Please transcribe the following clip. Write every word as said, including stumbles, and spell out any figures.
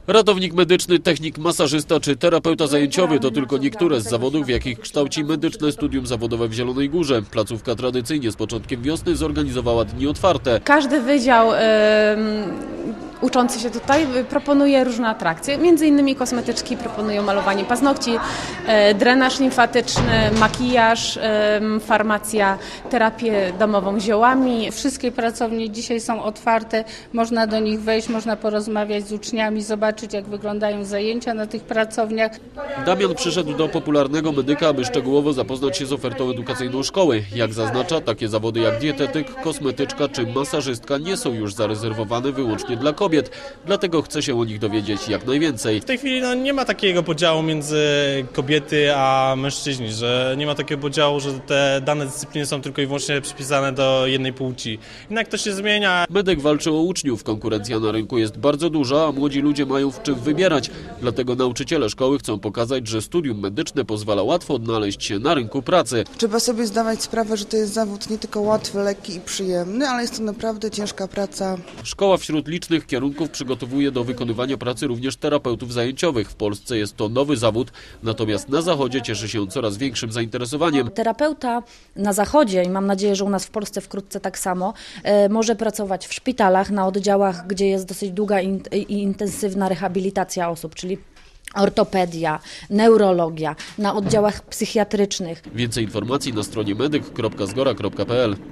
Ratownik medyczny, technik, masażysta czy terapeuta zajęciowy to tylko niektóre z zawodów, w jakich kształci medyczne studium zawodowe w Zielonej Górze. Placówka tradycyjnie z początkiem wiosny zorganizowała dni otwarte. Każdy wydział y, uczący się tutaj proponuje różne atrakcje. Między innymi kosmetyczki proponują malowanie paznokci, y, drenaż limfatyczny, makijaż, y, farmacja, terapię domową ziołami. Wszystkie pracownie dzisiaj są otwarte, można do nich wejść, można porozmawiać z uczniami, zobaczyć jak wyglądają zajęcia na tych pracowniach. Damian przyszedł do popularnego medyka, aby szczegółowo zapoznać się z ofertą edukacyjną szkoły. Jak zaznacza, takie zawody jak dietetyk, kosmetyczka czy masażystka nie są już zarezerwowane wyłącznie dla kobiet, dlatego chce się o nich dowiedzieć jak najwięcej. W tej chwili no, nie ma takiego podziału między kobiety a mężczyźni, że nie ma takiego podziału, że te dane dyscypliny są tylko i wyłącznie przypisane do jednej płci. Jednak to się zmienia. Medyk walczy o uczniów, konkurencja na rynku jest bardzo duża, a młodzi ludzie mają w czym wybierać. Dlatego nauczyciele szkoły chcą pokazać, że studium medyczne pozwala łatwo odnaleźć się na rynku pracy. Trzeba sobie zdawać sprawę, że to jest zawód nie tylko łatwy, lekki i przyjemny, ale jest to naprawdę ciężka praca. Szkoła wśród licznych kierunków przygotowuje do wykonywania pracy również terapeutów zajęciowych. W Polsce jest to nowy zawód, natomiast na Zachodzie cieszy się coraz większym zainteresowaniem. Terapeuta na Zachodzie, i mam nadzieję, że u nas w Polsce wkrótce tak samo, e, może pracować w szpitalach, na oddziałach, gdzie jest dosyć długa i in, intensywna rehabilitacja osób, czyli ortopedia, neurologia, na oddziałach psychiatrycznych. Więcej informacji na stronie medyk kropka zgora kropka p l.